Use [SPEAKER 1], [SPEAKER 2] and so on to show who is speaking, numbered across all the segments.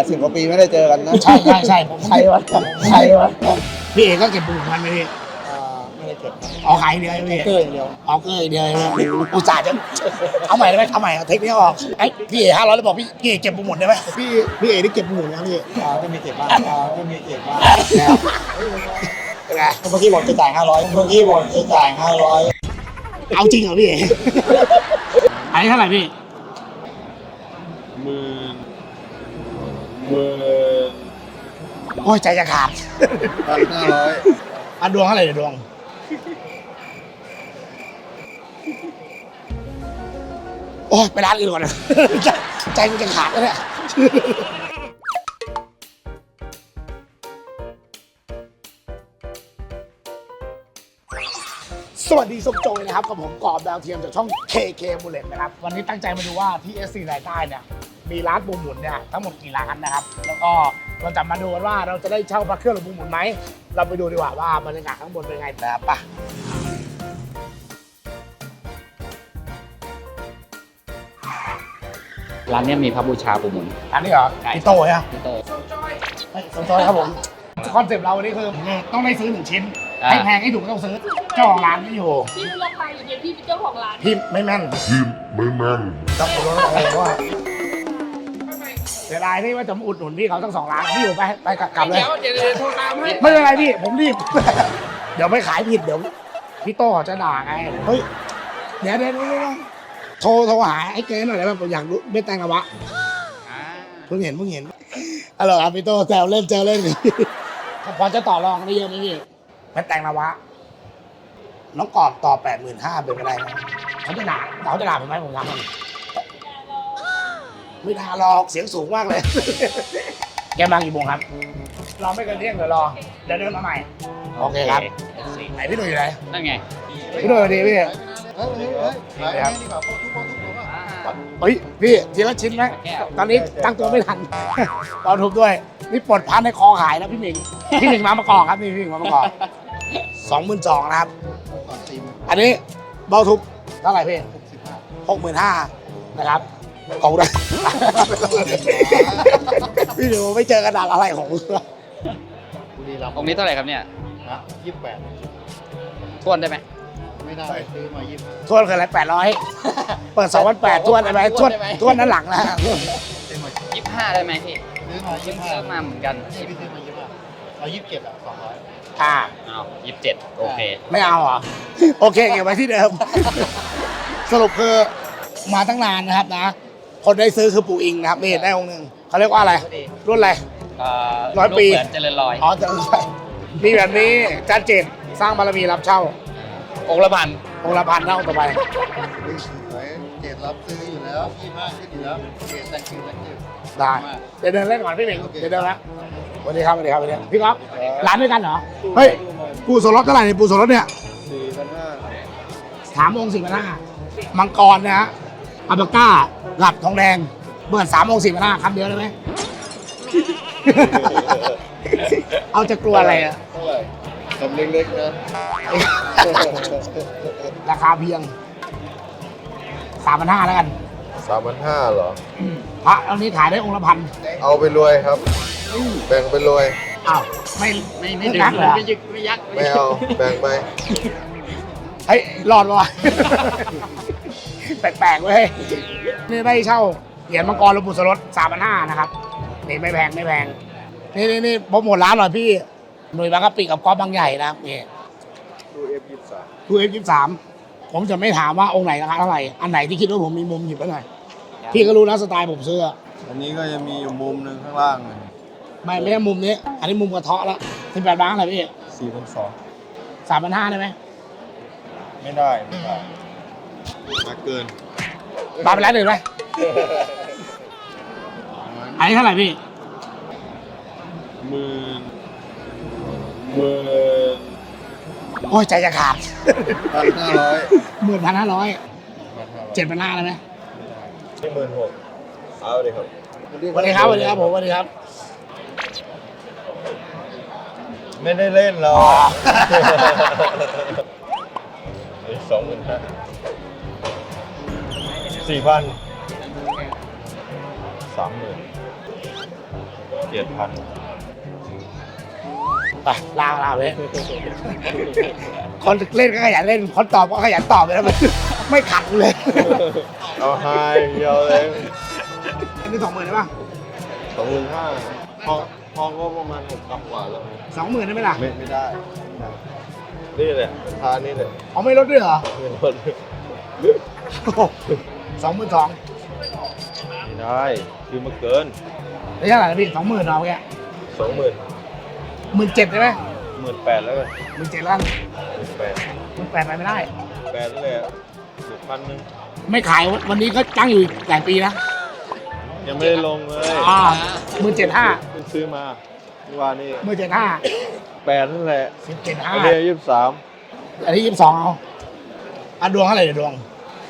[SPEAKER 1] 80 กว่าปีไม่ได้เจอกันนะ
[SPEAKER 2] ใช่ผม
[SPEAKER 1] ใครวะ
[SPEAKER 2] พี่เอกก็เก็บปูมันไหมพี่
[SPEAKER 1] ไม่ได้เก็บ
[SPEAKER 2] ออกขายเดียวพี่
[SPEAKER 1] เกอร์อย่างเดียว
[SPEAKER 2] ออกเกอร์เดียวอุตส่าห์จะเอาใหม่ได้ไหมเอาใหม่เอาเทคนิคออกไอ้พี่เอก500แล้วบอกพี่เอกเก็บปูหมดได้ไหมพี่เอกได้เก็บปูหมดนะพี่
[SPEAKER 1] ไม่มีเก็บบ้างไม่มีเก็บบ้าง
[SPEAKER 2] เป็นไง
[SPEAKER 1] เมื่อกี้บอกจะจ่าย500เมื่อกี้บอกจะจ่าย500
[SPEAKER 2] เอาจริงเหรอพี่เอกอันนี้เท่าไหร่พี่
[SPEAKER 1] หมื่น
[SPEAKER 2] โอ้ยใจจะขาด
[SPEAKER 1] 1,500
[SPEAKER 2] อันดวงเท่าไหร่เดี๋ยวดวงโอ้ยไปร้านอื่นก่อนนะ ใจมันจะขาดแล้วเนี่ยสวัสดีส้มโจยนะครับกับผมกอบดาวเทียมจากช่อง KK Bullet นะครับวันนี้ตั้งใจมาดูว่าที่ SC รายใต้เนี่ยมีร้านปูหมุนเนี่ยทั้งหมดกี่ร้านนะครับแล้วก็เราจะมาดูกันว่าเราจะได้เช่าพระเครื่องหรือปูหมุนไหมเราไปดูดีกว่าว่าบรรยากาศข้างบนเป็นไงนะครับป่ะ
[SPEAKER 3] ร้านเนี้ยมีพระบูชาปูหมุน
[SPEAKER 2] อันนี้เหรอพี่โต้ใช่ไหม
[SPEAKER 3] พี่โต
[SPEAKER 2] เฮ้ยสมโจยครับผมคอนเซปต์เราวันนี้คือต้องได้ซื้อ1 ชิ้นให้แพงให้ถูกต้องซื้อเจ้าของร้านไม่อยู่
[SPEAKER 4] พี่รู้ราคาอย่างเดียวพี่เป็นเจ้าของร้าน
[SPEAKER 2] พี่ไม่แม่นต้องรู้อะไรว่าเสียดายที่ว่าจะมาอุดหนุนพี่เขาทั้ง2 ร้านพี่อยู่ไปกลับเลย
[SPEAKER 4] เดี๋ยวโทรตามให้
[SPEAKER 2] ไม่เป็นไรพี่ผมรีบ เดี๋ยวไม่ขายผิดเดี๋ยวพี่โต้เขาจะด่าไงเฮ้ยเดี๋ยวโทรหาไอ้เก๋หน่อยได้ไหมผมอยากรู้เม็ดแตงกวะเพิ่งเห็นอะไรครับพี่โต้แซวเล่นพอจะต่อรองได้เยอะไหมพี่เม็ดแตงกวะน้องกอบต่อ 85,000เป็นไปได้ไหมเขาจะด่าผมไหมผมทำมันไม่ด่าหรอกเสียงสูงมากเลย แกมากี่โมงครับเราไม่เกินเที่ยงเดี๋ยวรอเดี๋ยวเดินมาใหม่โอเคครับไหนพี่หนุ่ยอยู่ไหน
[SPEAKER 3] นั่นไง
[SPEAKER 2] พี่หนุ่ยสวัสดีพี่ เฮ้ยพี่ทีละชิ้นไหมตอนนี้ตั้งตัวไม่ทัน ตอนทุบด้วยนี่ปลดพันในคอหายแล้วพี่หมิงมาประกอบครับนี่พี่หมิงมาประกอบ22,000นะครับอันนี้เบาทุบเท่าไหร่พี่65,000นะครับขอบคุณนะ พี่หนูไม่เจอกระดาษอะไรของมึง
[SPEAKER 3] องค์นี้เท่าไหร่ครับเนี่ย
[SPEAKER 1] 28
[SPEAKER 3] ทวนได้ไหม
[SPEAKER 1] ไม่ได้ซื้อมา25
[SPEAKER 2] ทวนคืออะไร800เปิด2,800ทวนได้ไหมทวนนั้นหลังนะ
[SPEAKER 3] 25 ได้ไหมพี่
[SPEAKER 1] ซื้อมา
[SPEAKER 3] เพิ่งซื้อมาเหมือนกัน
[SPEAKER 1] 25พี่ซื้อมา25เอา27อ่ะ200
[SPEAKER 3] อ้าว27 โอเค
[SPEAKER 2] ไม่เอาเหรอ โอเคเก็บไว้ที่เดิม สรุปคือมาตั้งนานนะครับนะ คนได้ซื้อคือปู่อิงนะครับนี่ได้องค์หนึ่งเขาเรียกว่าอะไร รุ่นอะไร 100 ปี
[SPEAKER 3] ลูกเหมือนเจริญรอย
[SPEAKER 2] อ๋อจะไม่ใช่มีแบบนี้จานเจตสร้างบารมีรับเช่า
[SPEAKER 3] องค์ละพัน
[SPEAKER 2] องค์ละ1,000เท่าต่อไป
[SPEAKER 1] สวยเกรดรับซื้ออยู่แล้ว25ขึ้นอยู่แล้วเกรดแต่งคิว
[SPEAKER 2] ได้เดี๋ยวเดินเล่นก่อนพี่หมิงเดี๋ยวเดินละสวัสดีครับพี่ก๊อฟร้านด้วยกันเหรอเฮ้ยปูโซรสเท่าไหร่เนี่ยปูโซรสเนี่ย
[SPEAKER 1] 4,500
[SPEAKER 2] 3 องค์4,500มังกรนะฮะอัลปาก้าหลับทองแดงเปิด3 องค์4,500คำเดียวได้ไหม เอาจะกลัวอะไรอะ
[SPEAKER 1] เท่าไหร่คำเล็กๆนะ
[SPEAKER 2] ราคาเพียง 3,500แล้วกัน
[SPEAKER 1] 3,500เหรอ
[SPEAKER 2] พระอันนี้ขายได้องค์ละพัน
[SPEAKER 1] เอาไปรวยครับ แบ่งไปรวย
[SPEAKER 2] อ้าวไม่
[SPEAKER 3] ไม่
[SPEAKER 2] ยักเหรอ
[SPEAKER 3] ไม่ยึกไม่ยัก
[SPEAKER 1] ไม่เอา แบ่งไป
[SPEAKER 2] เฮ้ยรอดปะวะ แปลกๆเว้ยนี่ได้เช่าเหรียญมังกรหลวงปู่สรส3,500นะครับนี่ไม่แพงนี่โปรโมทร้านหน่อยพี่หน่วยบางกะปิกับกอล์ฟบางใหญ่นะครับนี่
[SPEAKER 1] ดู F23
[SPEAKER 2] ดูF23ผมจะไม่ถามว่าองค์ไหนราคาเท่าไหร่อันไหนที่คิดว่าผมมีมุมหยิบไปหน่อยพี่ก็รู้นะสไตล์ผมเสื้อ
[SPEAKER 1] อันนี้ก็จะมีอยู่มุมหนึ่งข้างล่างเลย
[SPEAKER 2] ไม่ใช่มุมนี้ อันนี้มุมกระเทาะแล้ว18 บาทอะไรพี่
[SPEAKER 1] 4,200
[SPEAKER 2] 3,500ได้ไหม
[SPEAKER 1] ไม่ได้มาเกิน
[SPEAKER 2] ปาไปร้านอื่นไหมอันนี้เท่าไหร่พี่
[SPEAKER 1] หมื่น
[SPEAKER 2] โอ้ยใจจะขาด
[SPEAKER 1] 1,500
[SPEAKER 2] 15,500 7,500ได้ไหม
[SPEAKER 1] นี่16,000เอาเลยครับ
[SPEAKER 2] สวัสดีครับผมสวัสดีครับ
[SPEAKER 1] ไม่ได้เล่นหรอก25,000 4,000 30,000
[SPEAKER 5] 7,000
[SPEAKER 2] ไปลาไปคนเล่นก็ขยันเล่นคนตอบก็ขยันตอบเลยนะไม่ขัดเลย
[SPEAKER 5] เอาไฮเดียวเลย
[SPEAKER 2] อันนี้20,000ได้ป่ะ
[SPEAKER 5] 25,000ทองก็ประมาณ6,000กว่าแล้ว
[SPEAKER 2] 20,000ได้ไหมล่ะ
[SPEAKER 5] ไม่ได้ นี่แหละราคานี่แหละ
[SPEAKER 2] เขาไม่ลดด้วยเหรอ
[SPEAKER 5] ไม่ลด
[SPEAKER 2] 22,000
[SPEAKER 5] ไม่ได้คือมาเกิน
[SPEAKER 2] ได้เท่าไหร่นะพี่20,000เอาแค่
[SPEAKER 5] 20,000
[SPEAKER 2] 17,000ได้ไหม
[SPEAKER 5] 18,000แล้วกัน
[SPEAKER 2] 17,000แล้ว
[SPEAKER 5] 18,000
[SPEAKER 2] 18,000ไปไม่ได้
[SPEAKER 5] 8นั่นแหละ1,000
[SPEAKER 2] ไม่ขายวันนี้ก็จ้างอยู่หลายปีนะ
[SPEAKER 5] ยังไม่ได้ลงเลย
[SPEAKER 2] 17,500
[SPEAKER 5] เพิ่งซื้อมาเมื่อวานนี้
[SPEAKER 2] 17,500
[SPEAKER 5] 8นั่นแหละ อัน
[SPEAKER 2] 17,500
[SPEAKER 5] นี้23
[SPEAKER 2] อันนี้22เอาอ่ะดวงเท่าไหร่เดี๋ยวดวง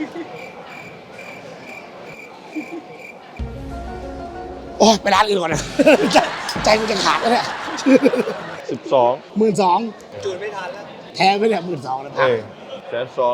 [SPEAKER 2] โอ้ยไปร้านอื่นก่อนนะ ใจมันจะขาดแล้วเนี่ย
[SPEAKER 5] 12
[SPEAKER 2] 12,000จูนไม่ทันแล้วแท้ไม่เนี่ย12,000แล้วพั
[SPEAKER 5] เอ้
[SPEAKER 2] ง
[SPEAKER 5] ย120,000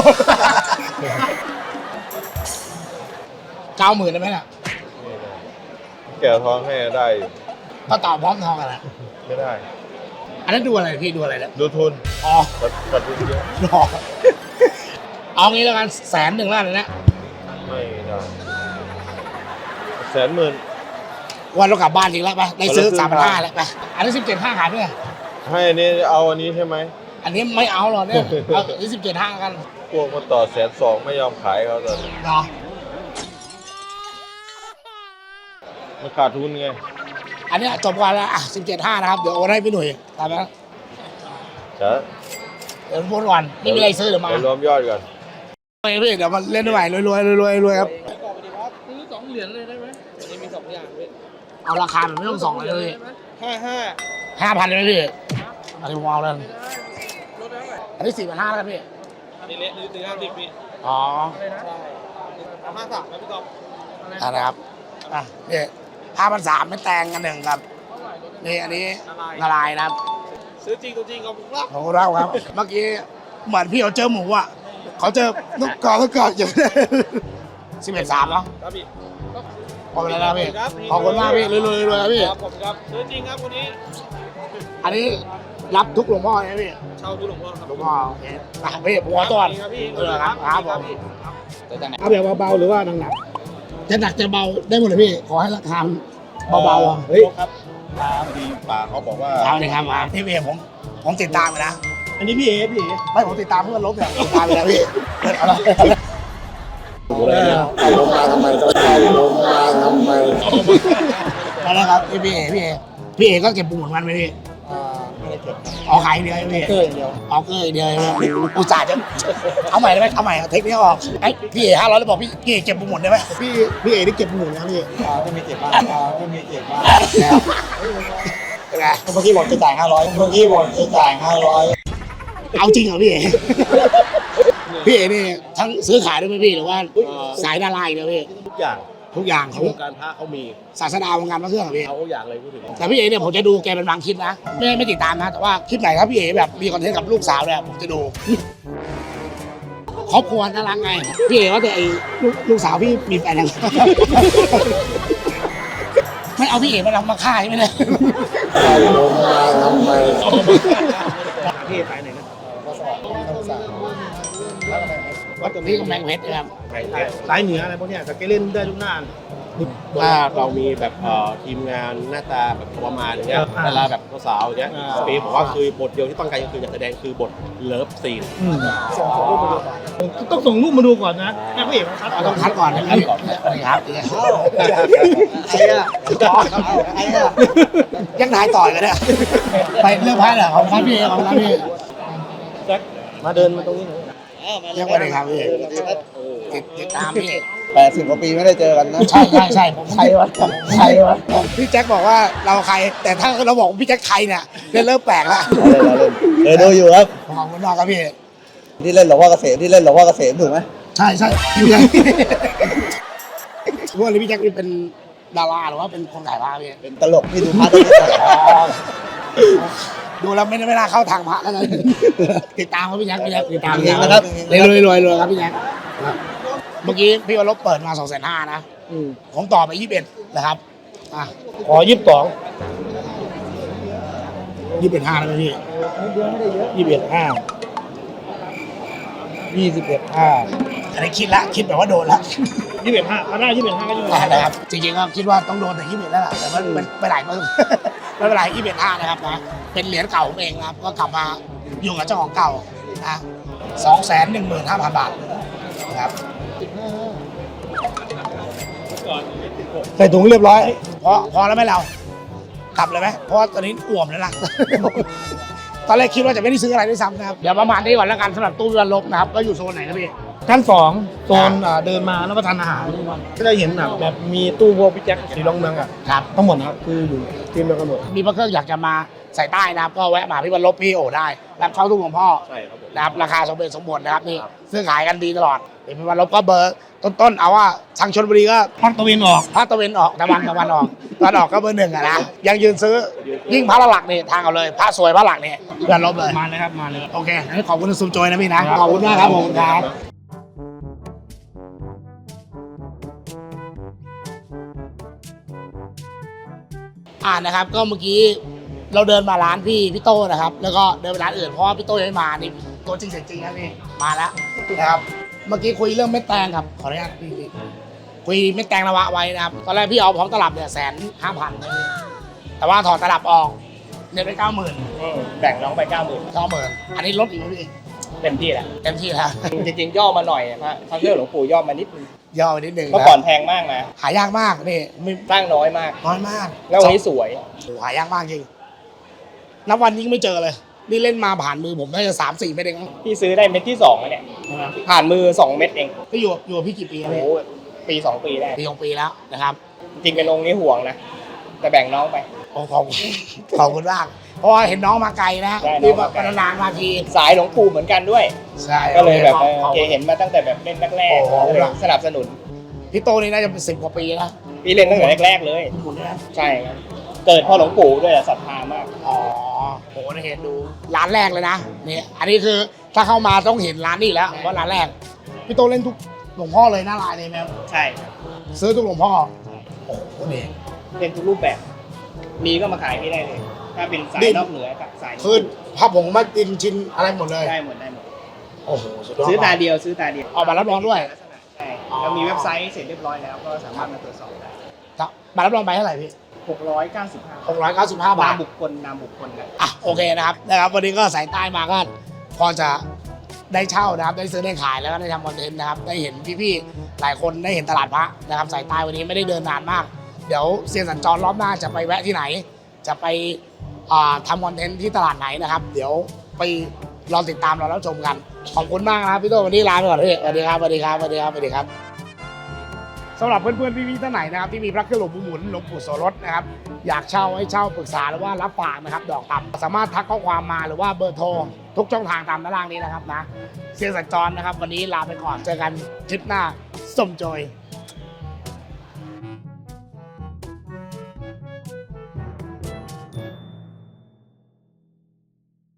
[SPEAKER 2] 90,000ได้ไหมล่ะ
[SPEAKER 5] แก้วทองให้ได้อยู่
[SPEAKER 2] ก็ต่อพร้อมทองกันแหละ
[SPEAKER 5] ไม่ได้
[SPEAKER 2] อันนั้นดูอะไรพี่ดูอะไรแล้ว
[SPEAKER 5] ดูทุน
[SPEAKER 2] อ๋อ
[SPEAKER 5] ปัดทุนเยอะ
[SPEAKER 2] หลอกเอางี้แล้วกัน100,000แล้วกันนะ
[SPEAKER 5] ไม่ได้110,000
[SPEAKER 2] วันเรากลับบ้านจริงแล้วไปได้ซื้อ
[SPEAKER 5] วันละ
[SPEAKER 2] 3,500แล้วไปอันนี้17,500ขายด้วย
[SPEAKER 5] ให้อันนี้เอาอันนี้ใช่ไหม
[SPEAKER 2] อันนี้ไม่เอาหรอกเนี่ยเอาอันนี้17,500กัน
[SPEAKER 5] พวกมาต่อ120,000ไม่ยอมขายเขาตอนนี้
[SPEAKER 2] เนาะ
[SPEAKER 5] มันขาดทุนไง
[SPEAKER 2] อันนี้จบก่อนแล้วอ่ะ17,500นะครับเดี๋ยวโอนให้พี่หนุ่ยตามนั้น
[SPEAKER 5] จะ
[SPEAKER 2] เดี๋ยวโอนก่อนไม่มีอะไรซื้อเดี๋ยวมา
[SPEAKER 5] ไปรวมยอดก่อน
[SPEAKER 2] โอเคพี่เดี๋ยวมาเล่นด้วยรวยครับ
[SPEAKER 4] ซื้อ2 เหรียญเลยได้ไหมอันนี้มี2 อย่างพี่
[SPEAKER 2] เอาราคาแบบไม่ต้องส่องเลย
[SPEAKER 4] 55
[SPEAKER 2] 5,000เลยไหมพี่อันนี้ผมเอาแล้ว
[SPEAKER 4] ลดได้ไหม
[SPEAKER 2] อันนี้4,500แล้วกันพี่
[SPEAKER 4] อันนี้เละหรือ50พี่
[SPEAKER 2] อ๋อ
[SPEAKER 4] ใช่เอา53นะพี่กอล์ฟ
[SPEAKER 2] อ่ะนะครับอ่ะนี่5,300ไม่แต่งกันหนึ่งครับนี่อันนี้ละลายนะครับ
[SPEAKER 4] ซื้อจริงตัวจริงเอาผมรับ
[SPEAKER 2] โอ้โหเราครับ เมื่อกี้เหมือนพี่เขาเจอหมูอ่ะเขาเจอลูกกอกอยู่ 11,300เนาะ
[SPEAKER 4] ครับพี่
[SPEAKER 2] ขอบคุณนะพี่ขอบคุณมากพี่รวยครับพี่
[SPEAKER 4] ครับผมครับซื้อจริงครับวันนี้
[SPEAKER 2] อันนี้รับทุกหลวงพ่อนะพี่
[SPEAKER 4] เช่าทุกหลวงพ่อครับ
[SPEAKER 2] หลวงพ่อโอเคไปพี่ผมขอตัวก่อน
[SPEAKER 4] ครับพี่
[SPEAKER 2] ครับผม
[SPEAKER 3] จะจากไหน
[SPEAKER 2] เอาแบบเบาๆหรือว่าหนักๆจะหนักจะเบาได้หมดเลยพี่ขอให้ราคาเบาๆอ่ะ
[SPEAKER 1] เฮ้ยครับมาพอดีป่าเขาบอกว่า
[SPEAKER 2] เอาเลยครับมาพี่ผมติดตามไปนะ
[SPEAKER 1] อันนี้พี่เอพี่เอ
[SPEAKER 2] ไม่ผมติดตามเพื่อนลบเนี่ยติดตามไปแล้วพี่เอาละ
[SPEAKER 1] เอาลงมาทำไมต้องเอาลงมาทำไม
[SPEAKER 2] มาแล้วครับพี่เอก็เก็บปูหมุนมันไหมพี่
[SPEAKER 1] ไม่ได้เก็บ
[SPEAKER 2] ออกขายเดียวพี่
[SPEAKER 1] เกอร์อย่างเดียว
[SPEAKER 2] ออกเกอร์เดียวอุตส่าห์จะเอาใหม่ได้ไหมเอาใหม่เอาเทคนิคออกไอ้พี่เอ500แล้วบอกพี่เอเก็บปูหมุนได้ไหมพี่เอได้เก็บปูหมุนนะพี่
[SPEAKER 1] ไม่มีเก็บบ้างไม่มีเก็บบ้าง
[SPEAKER 2] เป็นไง
[SPEAKER 1] เมื่อกี้บอกจะจ่าย500เมื่อกี้บอกจะจ่าย500
[SPEAKER 2] เอาจริงเหรอพี่เอพี่เอนี่ทั้งซื้อขายด้วยไหมพี่หรือว่าสายดาราอีกแล้วพี่
[SPEAKER 1] ทุกอย่าง
[SPEAKER 2] ทุกอย่าง
[SPEAKER 1] ใน
[SPEAKER 2] เขา
[SPEAKER 1] วงการพระเขามี
[SPEAKER 2] ศาสดาวงการพระเครื่องเหรอพี่
[SPEAKER 1] เอาทุกอย่างเลยพูดถึง
[SPEAKER 2] แต่พี่เอเนี่ยผมจะดูแกเป็นบางคลิปนะไม่ติดตามนะแต่ว่าคลิปไหนครับพี่เอแบบมีคอนเทนต์กับลูกสาวเนี่ยผมจะดูครอบครัวน่ารักไงพี่เอว่าแต่ไอ้ลูกสาวพี่มีแฟนยัง ไม่เอาพี่เอมาฆ่าใช่ไหมเนี่ย
[SPEAKER 1] เอาลงมาทำไม
[SPEAKER 2] พี่ไปไหนนะวัดตรงนี้กำแพงเพชรนะครับ
[SPEAKER 6] สายเหนืออะไรพวกเนี้ยแต่แกเล่นได้ทุกหน้าว่าเรามีแบบทีมงานหน้าตาแบบประมาณอย่างเงี้ยเวลาแบบสาวๆอย่างเงี้ยสปีผมว่าคือบทเดียวที่ต้องการคืออยากแสดงคือบทเลิฟซีน
[SPEAKER 4] ต้องส่งรูปมาดูก่อนนะแม่ผู้เอกครับ
[SPEAKER 2] เราต้องคัดก่อนนะครับครับยังถ่ายต่อยกันเนี่ยไปเรื่องพระเหรอของพระพี่ของพระพี่
[SPEAKER 6] มาเดินมาตรงนี้หน่อย
[SPEAKER 2] ยังไม่ได้ครับพี่ติดตามพี่
[SPEAKER 1] 80 กว่าปีไม่ได้เจอกันนะ
[SPEAKER 2] ใช่ผมใครวะพี่แจ็คบอกว่าเราใครแต่ถ้าเราบอกพี่แจ็คใครเนี่ยเริ่มแปลกละ
[SPEAKER 1] เล่นดูอยู่ครับ
[SPEAKER 2] ขอบคุณมากครับพี่
[SPEAKER 1] ที่เล่นหลวงพ่อเกษมถูกไหม
[SPEAKER 2] ใช่พี่แจ็คว่าพี่แจ็คเป็นดาราหรือว่าเป็นคนถ่ายภาพพี่
[SPEAKER 1] เป็นตลกที่ดูพระต้องถ่าย
[SPEAKER 2] ดูแล้วไม่น่าเข้าทางพระแล้วนะติดตามเขาพี่แจ็คติดตาม
[SPEAKER 1] จริงนะครับ
[SPEAKER 2] รวยครับพี่แจ็คเมื่อกี้พี่วรบเปิดมา250,000นะผมต่อไป21นะครับอ่ะ
[SPEAKER 4] ขอ22
[SPEAKER 2] 21.5แล้วไหมพี่ อันนี้คิดแบบว่าโดนละ
[SPEAKER 4] 21.5ถ้าได้21.5ก็21
[SPEAKER 2] นะครับจริงๆก็คิดว่าต้องโดนแต่21แล้วล่ะแต่มันไปหลายมือ ไม่เป็นไร21.5นะครับนะเป็นเหรียญเก่าผมเองนะครับก็กลับมาอยู่กับเจ้าของเก่านะ215,000 บาทนะครับ
[SPEAKER 4] ใส่ถุงเรียบร้อย
[SPEAKER 2] พอแล้วไหมเรากลับเลยไหมเพราะว่าตอนนี้อ่วมแล้วล่ะ ตอนแรกคิดว่าจะไม่ได้ซื้ออะไรด้วยซ้ำนะครับเดี๋ยวประมาณนี้ก่อนแล้วกันสำหรับตู้วิวันลบนะครับก็อยู่โซนไหนครับพี่
[SPEAKER 4] ชั้น2โซนเดินมาแล้วประทานอาหารก็จะเห็นแบบมีตู้พวกพี่แจ็คสีรองเมือง
[SPEAKER 2] ครับ
[SPEAKER 4] ทั้งหมดนะครับคืออยู่ทีมเดียวกันหมด
[SPEAKER 2] มีพระเครื่องอยากจะมาใส่ใต้นะครับก็แวะมาพี่วันลบพี่โอได้รับเช่าตู้ของพ่อ
[SPEAKER 6] ใช่ครับผม
[SPEAKER 2] นะครับราคาสมเหตุสมผลนะครับนี่ซื้อขายกันดีตลอดเดี๋ยวพี่วันลบก็เบอร์ต้นๆเอาว่าทางชลบุรีก็
[SPEAKER 4] ภาคตะวันออก
[SPEAKER 2] ภาคตะวันออกตะวันออกก็เบอร์ 1อะนะยังยืนซื้อยิ่งพระหลักนี่ทางเอาเลยพระสวยพระหลักนี่เพื่อนลบเลย
[SPEAKER 4] มาเลยครับมาเลย
[SPEAKER 2] โอเคงั้นขอบคุณซุมโจยนะพี่นะขอบคุณมากครับผมครับนะครับก็เมื่อกี้เราเดินมาร้านพี่โต้นะครับแล้วก็เดินไปร้านอื่นเพราะว่าพี่โต้ยังไม่มานี่ตัวจริงเสียงจริงครับพี่มาแล้วนะครับเมื่อกี้คุยเรื่องเม็ดแตงครับขออนุญาตพี่คุยเม็ดแตงละวะไว้นะครับตอนแรกพี่เอาพร้อมตลับเนี่ย150,000แต่ว่าถอดตลับออกเนี่ยได้90,000
[SPEAKER 3] แบ่งน้องไป 90,000
[SPEAKER 2] อันนี้ลดอีกไหมพี่
[SPEAKER 3] เต็มที่แล้ว
[SPEAKER 2] เต็มที่แล้ว
[SPEAKER 3] จริงๆย่อมาหน่อยพระเครื่องหลวงปู่ย่อมานิดนึง
[SPEAKER 2] ย่อไปนิดนึง
[SPEAKER 3] เมื่อก่อนแพงมากนะ
[SPEAKER 2] หายากมากนี่ไม่
[SPEAKER 3] สร้างน้อยมาก
[SPEAKER 2] น้อยมาก
[SPEAKER 3] แล้ววันนี้สวย
[SPEAKER 2] โอ้หายากมากจริงนับวันยิ่งไม่เจอเลยนี่เล่นมาผ่านมือผมน่าจะ3-4 เม็ดเองมั้ง
[SPEAKER 3] พี่ซื้อได้เม็ดที่2แล้วเนี่ยผ่านมือ2 เม็ดเอง
[SPEAKER 2] ก็อยู่กับพี่กี่ปีแล้ว
[SPEAKER 3] โอ้
[SPEAKER 2] เนี่ย
[SPEAKER 3] โหปี 2 ปีได้
[SPEAKER 2] ปี2 ปีแล้วนะครับ
[SPEAKER 3] จริงเป็นองค์นี้ห่วงนะแต่แบ่งน้องไป
[SPEAKER 2] โอ้ขอบคุณมากเพราะว่าเห็นน้องมาไกลนะ
[SPEAKER 3] ใช่น้
[SPEAKER 2] ที่
[SPEAKER 3] องมาไกล
[SPEAKER 2] นานๆมาที
[SPEAKER 3] สายหลวงปู่เหมือนกันด้วย
[SPEAKER 2] ใช่
[SPEAKER 3] ก็เลยแบบ
[SPEAKER 2] ขอบ
[SPEAKER 3] เห็นมาตั้งแต่แบบเล่นแรก
[SPEAKER 2] โอ้โห
[SPEAKER 3] ๆก็เลยสนับสนุน
[SPEAKER 2] พี่โตนี่น่าจะเป็น10 กว่าปีนะ
[SPEAKER 3] พี่เล่นตั้งแต่แรกๆเลย
[SPEAKER 2] หมุนเนี่ย
[SPEAKER 3] ใช่ครับเกิดเพ่อหลวงปู่ด้วยศรัทธามาก
[SPEAKER 2] อ๋อโหได้เห็นดูร้านแรกเลยนะนี่อันนี้คือถ้าเข้ามาต้องเห็นร้านนี้แล้วว่าร้านแรกพี่โตเล่นทุกหลวงพ่อเลยหน้าลายเลยแมว
[SPEAKER 3] ใช่ครับ
[SPEAKER 2] ซื้อทุกหลวงพ่อโอ้โหนี่
[SPEAKER 3] เล่นทุกรูปแบบ มีก็มาขายพี่ได้เลย ถ้าเป็นสาย
[SPEAKER 2] ดิ้น
[SPEAKER 3] นอกเหนือกับสาย
[SPEAKER 2] คือพระผงมาดินชิ้นอะไรหมดเลย
[SPEAKER 3] ได้หมดได้หมด
[SPEAKER 2] โอ้โหสุดยอด
[SPEAKER 3] ซื้อตาม
[SPEAKER 2] ก
[SPEAKER 3] เดียวซื้อตาเดียว
[SPEAKER 2] เอามารับรองด้วย
[SPEAKER 3] ลักษณะใช่
[SPEAKER 2] อ๋อ
[SPEAKER 3] เรามีเว็บไซต์เสร็จเรียบร้อยแล้วก็สามารถมาตรวจสอบได้
[SPEAKER 2] ครับมารับรองไปเท่าไหร่พี่
[SPEAKER 3] 695
[SPEAKER 2] 695 บาท
[SPEAKER 3] นามบุคคลนามบุคคลนะ
[SPEAKER 2] อ่ะโอเคนะครับวันนี้ก็สายใต้มาก็พอจะได้เช่านะครับได้ซื้อได้ขายแล้วก็ได้ทำคอนเทนต์นะครับได้เห็นพี่ๆหลายคนได้เห็นตลาดพระนะครับสายใต้วันนี้ไม่ได้เดินนานมากเดี๋ยวเซียนสัญจรรอบหน้าจะไปแวะที่ไหน จะไปทำคอนเทนต์ที่ตลาดไหนนะครับเดี๋ยวไปรอติดตามเราแล้วชมกันขอบคุณมากนะครับพี่โตวันนี้ลาไปก่อนพี่สวัสดีครับสวัสดีครับสวัสดีครับสวัสดีครับสำหรับเพื่อนๆพี่ๆท่านไหนนะครับที่มีพระเครื่องหลวงปู่หมุนหลวงปู่โสรสนะครับอยากเช่าให้เช่าปรึกษาหรือว่ารับฝากนะครับดอกต่ำสามารถทักข้อความมาหรือว่าเบอร์โทรทุกช่องทางตามด้านล่างนี้นะครับนะเซียนสัญจรนะครับวันนี้ลาไปก่อนเจอกันคลิปหน้าส้มโจย